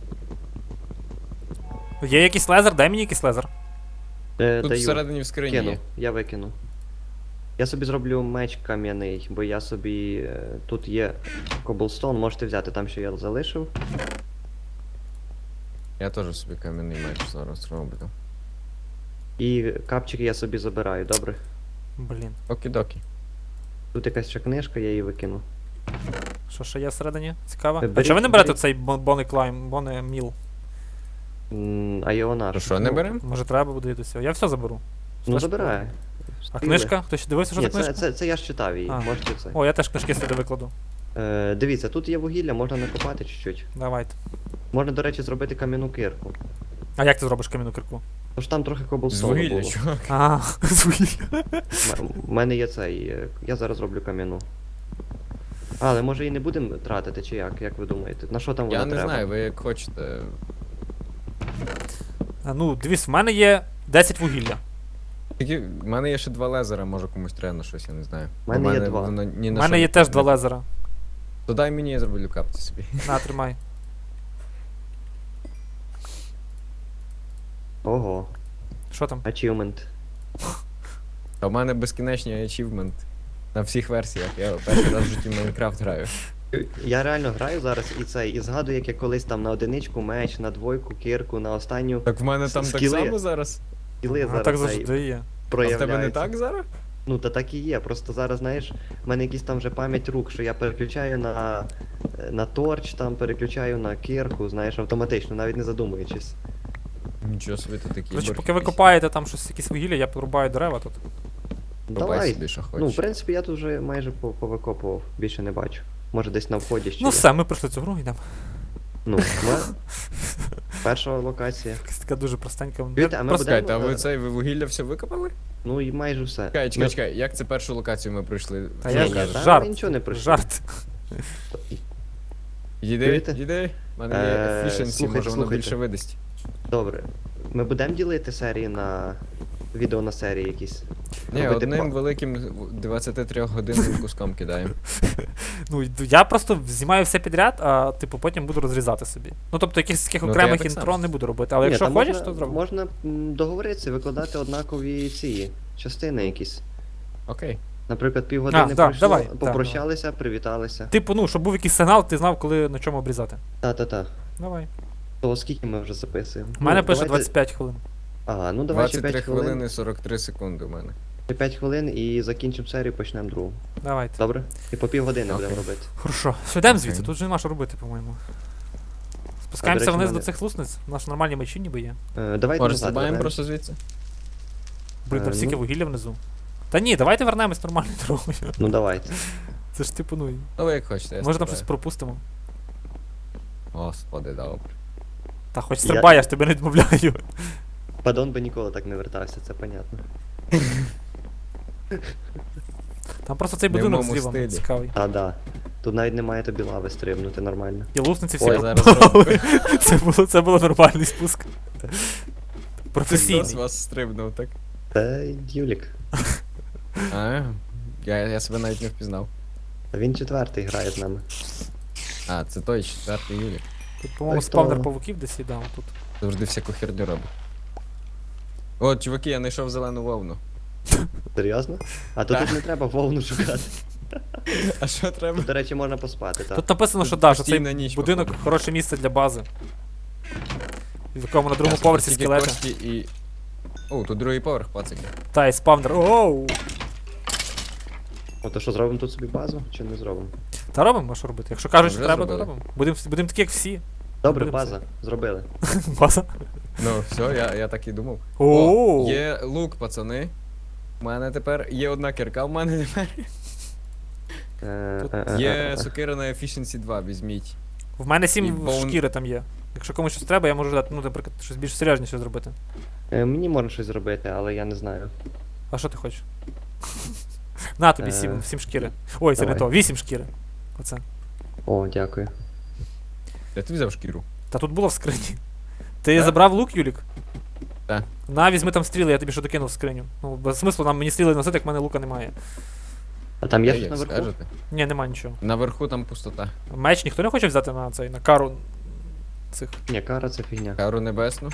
[SPEAKER 3] Є якийсь лезер? Дай мені якийсь лезер.
[SPEAKER 2] Тут
[SPEAKER 1] Е, даю.
[SPEAKER 2] всередині в скрині
[SPEAKER 1] Кину,
[SPEAKER 2] є.
[SPEAKER 1] я викину. Я собі зроблю меч кам'яний, бо я собі. е, Тут є коблстоун, можете взяти там, що я залишив.
[SPEAKER 2] Я теж собі кам'яний меч зараз роблю.
[SPEAKER 1] І капчики я собі забираю, добре?
[SPEAKER 3] Блін.
[SPEAKER 2] Окі-докі.
[SPEAKER 1] Тут якась ще книжка, я її викину.
[SPEAKER 3] Що ще є всередині? Цікаво.
[SPEAKER 1] Е,
[SPEAKER 3] А
[SPEAKER 1] беріть-
[SPEAKER 3] чого ви не берете
[SPEAKER 1] беріть.
[SPEAKER 3] цей Бонни Клайм, Бонни Міл?
[SPEAKER 1] М, А його наш.
[SPEAKER 2] То що, не беремо?
[SPEAKER 3] Може треба буде до цього. Я все заберу.
[SPEAKER 1] Ну
[SPEAKER 3] Все ж
[SPEAKER 1] забирай.
[SPEAKER 3] А книжка? Хтось ще дивився, що
[SPEAKER 1] Ні,
[SPEAKER 3] за книжка?
[SPEAKER 1] це, це, це я ж читав її,
[SPEAKER 3] А.
[SPEAKER 1] можете це.
[SPEAKER 3] О, я теж книжки сюди викладу.
[SPEAKER 1] Е, дивіться, тут є вугілля, можна накопати чуть-чуть.
[SPEAKER 3] Давайте.
[SPEAKER 1] Можна, до речі, зробити кам'яну кирку.
[SPEAKER 3] А як ти зробиш кам'яну кирку?
[SPEAKER 1] Тож там трохи
[SPEAKER 2] З
[SPEAKER 1] коблстоуну
[SPEAKER 2] вугілля,
[SPEAKER 1] було.
[SPEAKER 2] чувак.
[SPEAKER 3] А, з вугілля.
[SPEAKER 1] У мене є цей. е, Я зараз зроблю кам'яну. Але може і не будемо тратити, чи як? Як ви думаєте? На що там вона
[SPEAKER 2] Я не
[SPEAKER 1] треба?
[SPEAKER 2] знаю, ви як хочете.
[SPEAKER 3] А, ну, дивись, в мене є десять вугілля.
[SPEAKER 2] Тільки в мене є ще два лезера, може комусь треба на щось, я не знаю.
[SPEAKER 1] В мене
[SPEAKER 2] Бо
[SPEAKER 1] є два.
[SPEAKER 2] воно ні
[SPEAKER 3] У
[SPEAKER 2] на
[SPEAKER 3] мене
[SPEAKER 2] що
[SPEAKER 3] є
[SPEAKER 2] не-
[SPEAKER 3] теж два
[SPEAKER 2] не-
[SPEAKER 3] лезера.
[SPEAKER 2] То дай мені, я зроблю капці собі.
[SPEAKER 3] На, тримай.
[SPEAKER 1] Ого,
[SPEAKER 3] Що там?
[SPEAKER 1] achievement.
[SPEAKER 2] А в мене безкінечний ачівмент. На всіх версіях. Я перший раз в житті в Майнкрафт граю.
[SPEAKER 1] Я реально граю зараз і цей, і згадую, як я колись там на одиничку меч, на двойку, кирку, на останню
[SPEAKER 2] Так в мене там так
[SPEAKER 1] Скіли.
[SPEAKER 2] само зараз.
[SPEAKER 1] скіли
[SPEAKER 3] А
[SPEAKER 1] зараз
[SPEAKER 3] так
[SPEAKER 1] цей
[SPEAKER 3] завжди є.
[SPEAKER 2] А в
[SPEAKER 1] проявляються.
[SPEAKER 2] тебе не так зараз?
[SPEAKER 1] Ну та так і є. Просто зараз, знаєш, в мене якісь там вже пам'ять рук, що я переключаю на, на торч, там переключаю на кирку, знаєш, автоматично, навіть не задумуючись.
[SPEAKER 2] Нічого собі ти такий.
[SPEAKER 3] Короче,
[SPEAKER 2] борг
[SPEAKER 3] поки ви
[SPEAKER 2] якийсь.
[SPEAKER 3] копаєте там щось, якісь вугілля, я порубаю дерева тут.
[SPEAKER 2] Рубай
[SPEAKER 1] Давай.
[SPEAKER 2] собі, що хочеш.
[SPEAKER 1] Ну, в принципі, я тут вже майже по- повикопував, більше не бачу. Може десь на вході ще.
[SPEAKER 3] Ну
[SPEAKER 1] є.
[SPEAKER 3] все, ми пройшли цю гру, йдемо.
[SPEAKER 1] Ну, ми... перша локація.
[SPEAKER 3] Якась така дуже простенька.
[SPEAKER 1] Чуєте, а ми
[SPEAKER 3] Просто-
[SPEAKER 2] Чекайте, а
[SPEAKER 1] будемо,
[SPEAKER 2] ви
[SPEAKER 1] е,
[SPEAKER 2] цей ви вугілля все викопали?
[SPEAKER 1] Ну і майже все.
[SPEAKER 2] Чекай, чекай,
[SPEAKER 1] Ми-
[SPEAKER 2] чекай, як це першу локацію ми пройшли?
[SPEAKER 3] Та
[SPEAKER 2] Що
[SPEAKER 3] я
[SPEAKER 1] Ні,
[SPEAKER 2] ви
[SPEAKER 1] ні,
[SPEAKER 2] кажете?
[SPEAKER 1] та
[SPEAKER 3] жарт.
[SPEAKER 1] ми нічого не пройшли.
[SPEAKER 3] Жарт.
[SPEAKER 2] Їди,
[SPEAKER 1] Чуєте?
[SPEAKER 2] їди. У мене є
[SPEAKER 1] Е,
[SPEAKER 2] efficiency,
[SPEAKER 1] слухайте,
[SPEAKER 2] може воно
[SPEAKER 1] слухайте.
[SPEAKER 2] більше видасть.
[SPEAKER 1] Добре. Ми будемо ділити серії на відео на серії якісь.
[SPEAKER 2] Ні,
[SPEAKER 1] Робити
[SPEAKER 2] одним
[SPEAKER 1] па-
[SPEAKER 2] великим двадцятитрьохгодинним куском кидаємо.
[SPEAKER 3] Ну, йду- я просто знімаю все підряд, а типу потім буду розрізати собі. Ну тобто якихось таких
[SPEAKER 2] Ну, то
[SPEAKER 3] окремих
[SPEAKER 2] я так
[SPEAKER 3] інтро
[SPEAKER 2] само.
[SPEAKER 3] не буду робити, але
[SPEAKER 1] Ні,
[SPEAKER 3] якщо
[SPEAKER 1] та
[SPEAKER 3] хочеш,
[SPEAKER 1] можна,
[SPEAKER 3] то зроби.
[SPEAKER 1] Можна м, договоритися, викладати однакові ці частини якісь.
[SPEAKER 2] Окей.
[SPEAKER 1] Наприклад, півгодини
[SPEAKER 3] А, да,
[SPEAKER 1] пройшло,
[SPEAKER 3] давай, да,
[SPEAKER 1] попрощалися, привіталися.
[SPEAKER 3] Типу, ну, щоб був якийсь сигнал, ти знав, коли на чому обрізати.
[SPEAKER 1] Та-та-та.
[SPEAKER 3] Давай.
[SPEAKER 1] То скільки ми вже записуємо?
[SPEAKER 3] У мене
[SPEAKER 1] Ну,
[SPEAKER 3] пише
[SPEAKER 1] давайте-
[SPEAKER 3] двадцять п'ять хвилин.
[SPEAKER 1] Ага, ну давай ще
[SPEAKER 2] двадцять три
[SPEAKER 1] п'ять хвилин.
[SPEAKER 2] хвилини сорок три секунди у мене.
[SPEAKER 1] Ще п'ять хвилин і закінчимо серію, почнемо другу.
[SPEAKER 3] Давайте.
[SPEAKER 1] Добре? І по півгодини
[SPEAKER 2] Окей.
[SPEAKER 1] будемо робити.
[SPEAKER 3] Хорошо. Все, йдемо
[SPEAKER 2] Окей.
[SPEAKER 3] звідси, тут вже нема що робити, по-моєму. Спускаємося
[SPEAKER 1] речі,
[SPEAKER 3] вниз
[SPEAKER 1] мене-
[SPEAKER 3] до цих лусниць. У нас нормальні мечі ніби є.
[SPEAKER 1] Е, давайте
[SPEAKER 2] Може,
[SPEAKER 1] назад
[SPEAKER 2] стрибаємо
[SPEAKER 1] вернемось.
[SPEAKER 2] просто звідси?
[SPEAKER 3] Блін, там
[SPEAKER 1] Е,
[SPEAKER 3] стільки
[SPEAKER 1] ну.
[SPEAKER 3] вугілля внизу. Та ні, давайте вернемось нормальною дорогою.
[SPEAKER 1] Ну давайте.
[SPEAKER 3] Це ж типу, ну.
[SPEAKER 2] Ну ви як хочете, я
[SPEAKER 3] Може там щось
[SPEAKER 2] стрибаю.
[SPEAKER 3] пропустимо.
[SPEAKER 2] Господи, добре.
[SPEAKER 3] Та хоч
[SPEAKER 1] Я-
[SPEAKER 3] стрибай, я ж тебе не відмовляю.
[SPEAKER 1] Падон би ніколи так не вертався, це понятно.
[SPEAKER 3] Там просто цей
[SPEAKER 2] Не в
[SPEAKER 3] будинок
[SPEAKER 2] моєму
[SPEAKER 3] зліва мені
[SPEAKER 2] стилі.
[SPEAKER 3] цікавий.
[SPEAKER 1] Та да. Тут навіть немає тобі лави стрибнути нормально.
[SPEAKER 3] І лусниці всі
[SPEAKER 2] Ой, я зараз
[SPEAKER 3] пропали.
[SPEAKER 2] роблю.
[SPEAKER 3] Це було, це було нормальний спуск.
[SPEAKER 2] Хтось з
[SPEAKER 3] Професійний.
[SPEAKER 2] вас стрибнув, так?
[SPEAKER 1] Це Юлік.
[SPEAKER 2] А, я, я себе навіть не впізнав.
[SPEAKER 1] А він четвертий грає з нами.
[SPEAKER 2] А, це той четвертий юлі.
[SPEAKER 3] Тут, по-моєму,
[SPEAKER 1] Так,
[SPEAKER 3] спавнер
[SPEAKER 1] то-
[SPEAKER 3] павуків десь їдав тут.
[SPEAKER 2] Завжди всяку херню робить. О, чуваки, я знайшов зелену вовну.
[SPEAKER 1] Серйозно? А то
[SPEAKER 2] Так.
[SPEAKER 1] тут не треба вовну шукати.
[SPEAKER 2] А що треба?
[SPEAKER 1] Тут, до речі, можна поспати, так.
[SPEAKER 3] Тут написано, що
[SPEAKER 2] Тут
[SPEAKER 3] да, що цей
[SPEAKER 2] постійна ніч,
[SPEAKER 3] будинок
[SPEAKER 2] походу.
[SPEAKER 3] хороше місце для бази. В якому на другому
[SPEAKER 2] Ясно,
[SPEAKER 3] поверсі
[SPEAKER 2] тільки
[SPEAKER 3] скелети.
[SPEAKER 2] кості і... О, тут другий поверх, пацики.
[SPEAKER 3] Та, і спавнер. Оу!
[SPEAKER 1] О, то що, зробимо тут собі базу, чи не зробимо?
[SPEAKER 3] Та робимо, а що робити? Якщо кажуть, що
[SPEAKER 2] Вже
[SPEAKER 3] треба, то
[SPEAKER 2] зробили.
[SPEAKER 3] робимо. Будемо будем такі, як всі.
[SPEAKER 1] Добре,
[SPEAKER 3] Будемо
[SPEAKER 1] база, зробили.
[SPEAKER 3] База.
[SPEAKER 2] Ну, все, я, я так і думав.
[SPEAKER 3] О,
[SPEAKER 2] Є лук, пацани. У мене тепер є одна кірка, в мене тепер.
[SPEAKER 1] Е,
[SPEAKER 3] Тут
[SPEAKER 1] е, е,
[SPEAKER 2] Є
[SPEAKER 1] е, е.
[SPEAKER 2] сокира на Efficiency два, візьміть.
[SPEAKER 3] в мене
[SPEAKER 2] І
[SPEAKER 3] сім
[SPEAKER 2] бон-
[SPEAKER 3] шкіри там є. Якщо комусь щось треба, я можу дати, ну, наприклад, щось більш серйозніше зробити.
[SPEAKER 1] Е, Мені можна щось зробити, але я не знаю.
[SPEAKER 3] А що ти хочеш? На тобі
[SPEAKER 1] Е,
[SPEAKER 3] сім, сім шкіри. Ой, це не
[SPEAKER 1] давай.
[SPEAKER 3] то, вісім шкіри. Оце.
[SPEAKER 1] О, дякую.
[SPEAKER 2] Я ти взяв шкіру.
[SPEAKER 3] Та тут було в скрині. Ти
[SPEAKER 2] Так.
[SPEAKER 3] забрав лук, Юлік?
[SPEAKER 2] Так.
[SPEAKER 3] На, візьми там стріли, я тобі що докинув в скриню. Ну, без смислу нам мені стріли носити, як в мене лука немає.
[SPEAKER 1] А там є
[SPEAKER 2] Та
[SPEAKER 1] щось
[SPEAKER 2] як
[SPEAKER 1] наверху?
[SPEAKER 2] скажете.
[SPEAKER 3] Ні, нема нічого.
[SPEAKER 2] Наверху там пустота.
[SPEAKER 3] Меч ніхто не хоче взяти на цей, на кару цих,
[SPEAKER 1] Ні, кара це фігня.
[SPEAKER 2] Кару небесну.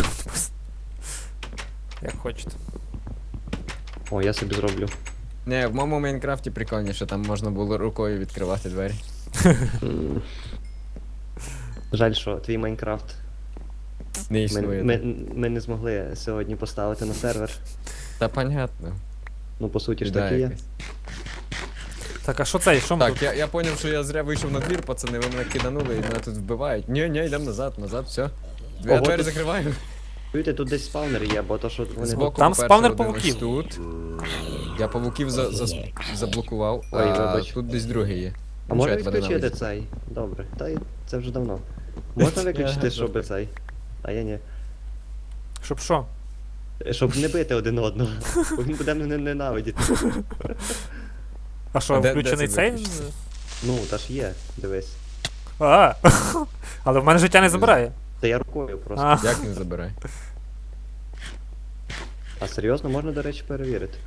[SPEAKER 3] як хочете.
[SPEAKER 1] О, я собі зроблю.
[SPEAKER 2] Не, в моєму Майнкрафті прикольніше, там можна було рукою відкривати двері.
[SPEAKER 1] М. Жаль, що твій Майнкрафт
[SPEAKER 2] Не
[SPEAKER 1] ми,
[SPEAKER 2] існує.
[SPEAKER 1] ми,
[SPEAKER 2] там.
[SPEAKER 1] ми не змогли сьогодні поставити на сервер.
[SPEAKER 2] Та понятно.
[SPEAKER 1] Ну, по суті ж
[SPEAKER 2] Біда
[SPEAKER 1] таки є.
[SPEAKER 2] якась.
[SPEAKER 3] Так, а що це? Що ми
[SPEAKER 2] Так,
[SPEAKER 3] тут?
[SPEAKER 2] я, я поняв, що я зря вийшов на двір, пацани, ви мене киданули і мене тут вбивають. Ні, ні, йдемо назад, назад, все. Я
[SPEAKER 1] Ого,
[SPEAKER 2] двері
[SPEAKER 1] тут-
[SPEAKER 2] закриваю.
[SPEAKER 1] Чуєте, тут десь спаунер є, бо то, що вони...
[SPEAKER 2] Збоку,
[SPEAKER 3] Там
[SPEAKER 2] по-перше,
[SPEAKER 3] спавнер
[SPEAKER 2] один
[SPEAKER 3] павуків.
[SPEAKER 2] ось тут. Я павуків за, за, заблокував,
[SPEAKER 1] Ой,
[SPEAKER 2] а
[SPEAKER 1] вибач.
[SPEAKER 2] тут десь другий є.
[SPEAKER 1] А
[SPEAKER 2] Ну,
[SPEAKER 1] можна
[SPEAKER 2] що, я тебе
[SPEAKER 1] відключити
[SPEAKER 2] ненавиджу?
[SPEAKER 1] цей? Добре, та й це вже давно. Можна виключити, щоб цей? А я ні.
[SPEAKER 3] Щоб що?
[SPEAKER 1] Щоб не бити один одного. Бо він буде мене ненавидіти.
[SPEAKER 3] А що,
[SPEAKER 2] А де- де
[SPEAKER 3] включений
[SPEAKER 2] це
[SPEAKER 3] цей?
[SPEAKER 2] виключити?
[SPEAKER 1] Ну, та ж є, дивись.
[SPEAKER 3] А, але в мене життя не забирає.
[SPEAKER 1] Та я рукою просто.
[SPEAKER 3] А,
[SPEAKER 2] Як не забирай?
[SPEAKER 1] А серйозно, можна, до речі, перевірити.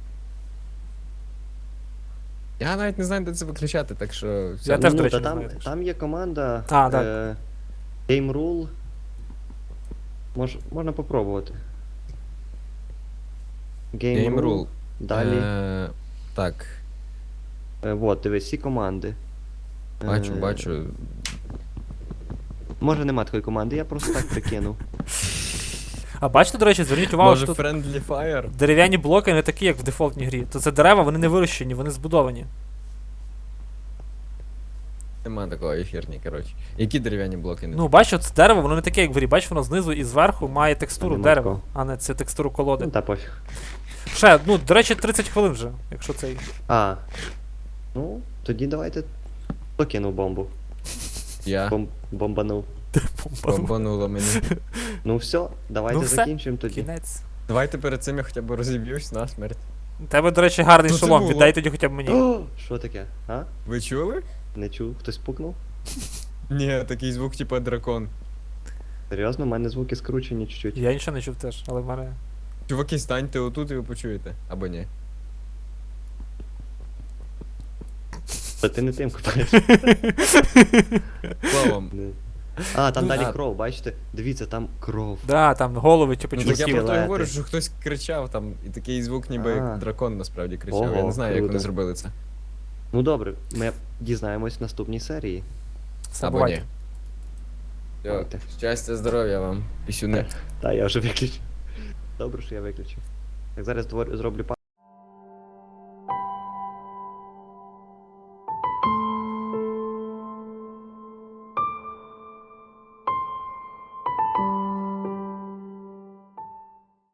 [SPEAKER 2] Я навіть не знаю, де це виключати, так що. все.
[SPEAKER 3] Я теж,
[SPEAKER 1] ну,
[SPEAKER 3] до речі,
[SPEAKER 1] та
[SPEAKER 3] не
[SPEAKER 1] там,
[SPEAKER 3] знаю, так що.
[SPEAKER 1] там є команда
[SPEAKER 3] А, так.
[SPEAKER 1] е, Game Rule. Мож, можна попробувати. Game,
[SPEAKER 2] Game Rule.
[SPEAKER 1] Далі.
[SPEAKER 2] Е, так,
[SPEAKER 1] Е, вот, дивись, всі команди.
[SPEAKER 2] бачу,
[SPEAKER 1] Е,
[SPEAKER 2] бачу.
[SPEAKER 1] Може нема такої команди, я просто так прикинув.
[SPEAKER 3] А бачите, до речі, зверніть увагу,
[SPEAKER 2] Може
[SPEAKER 3] що тут
[SPEAKER 2] Friendly Fire?
[SPEAKER 3] дерев'яні блоки не такі, як в дефолтній грі. То це дерева, вони не вирощені, вони збудовані.
[SPEAKER 2] Нема такого ефірні, коротше. Які дерев'яні блоки не
[SPEAKER 3] Ну, бачиш, це дерево, воно не таке, як в грі. Бачиш, воно знизу і зверху має текстуру
[SPEAKER 1] нема
[SPEAKER 3] дерева,
[SPEAKER 1] такого.
[SPEAKER 3] а не це текстуру колоди.
[SPEAKER 1] Ну та пофіг.
[SPEAKER 3] Ще, ну, до речі, тридцять хвилин вже, якщо цей.
[SPEAKER 1] А. Ну, тоді давайте покинув бомбу.
[SPEAKER 2] Я.
[SPEAKER 1] Бом, бомбанув.
[SPEAKER 2] Бомбануло мені.
[SPEAKER 1] Ну все, давайте
[SPEAKER 3] Ну все,
[SPEAKER 1] закінчимо тоді.
[SPEAKER 3] Кінець.
[SPEAKER 2] Давайте перед цим я хоча б розіб'юсь на смерть.
[SPEAKER 3] У тебе, до речі, гарний
[SPEAKER 2] Що це
[SPEAKER 3] шолом,
[SPEAKER 2] було?
[SPEAKER 3] віддай тоді хоча б мені.
[SPEAKER 1] О, що таке? А?
[SPEAKER 2] Ви чули?
[SPEAKER 1] Не чув? Хтось пукнув?
[SPEAKER 2] Ні, такий звук, типа дракон.
[SPEAKER 1] Серйозно, у мене звуки скручені чуть-чуть.
[SPEAKER 3] Я нічого не чув теж, але в мене.
[SPEAKER 2] Чуваки, станьте отут і ви почуєте. Або ні.
[SPEAKER 1] Та ти не тим купаєш.
[SPEAKER 2] Словом.
[SPEAKER 1] Не. А, там
[SPEAKER 3] Ну,
[SPEAKER 1] далі
[SPEAKER 2] а-
[SPEAKER 1] кров, бачите? Дивіться, там кров.
[SPEAKER 3] Да, там голови, типу,
[SPEAKER 2] Ну
[SPEAKER 3] чуваки.
[SPEAKER 2] так я про те
[SPEAKER 1] скелети.
[SPEAKER 2] говорю, що хтось кричав там, і такий звук, ніби
[SPEAKER 1] А.
[SPEAKER 2] як дракон насправді кричав. Я
[SPEAKER 1] Ого,
[SPEAKER 2] не знаю, як
[SPEAKER 1] круто.
[SPEAKER 2] вони зробили це.
[SPEAKER 1] Ну добре, ми дізнаємось в наступній серії.
[SPEAKER 3] Все,
[SPEAKER 2] Або
[SPEAKER 3] бувайте.
[SPEAKER 2] ні. Все,
[SPEAKER 1] Давайте.
[SPEAKER 2] щастя, здоров'я вам. Пісюни.
[SPEAKER 1] Та, я вже виключив. Добре, що я виключив. Так зараз двор- зроблю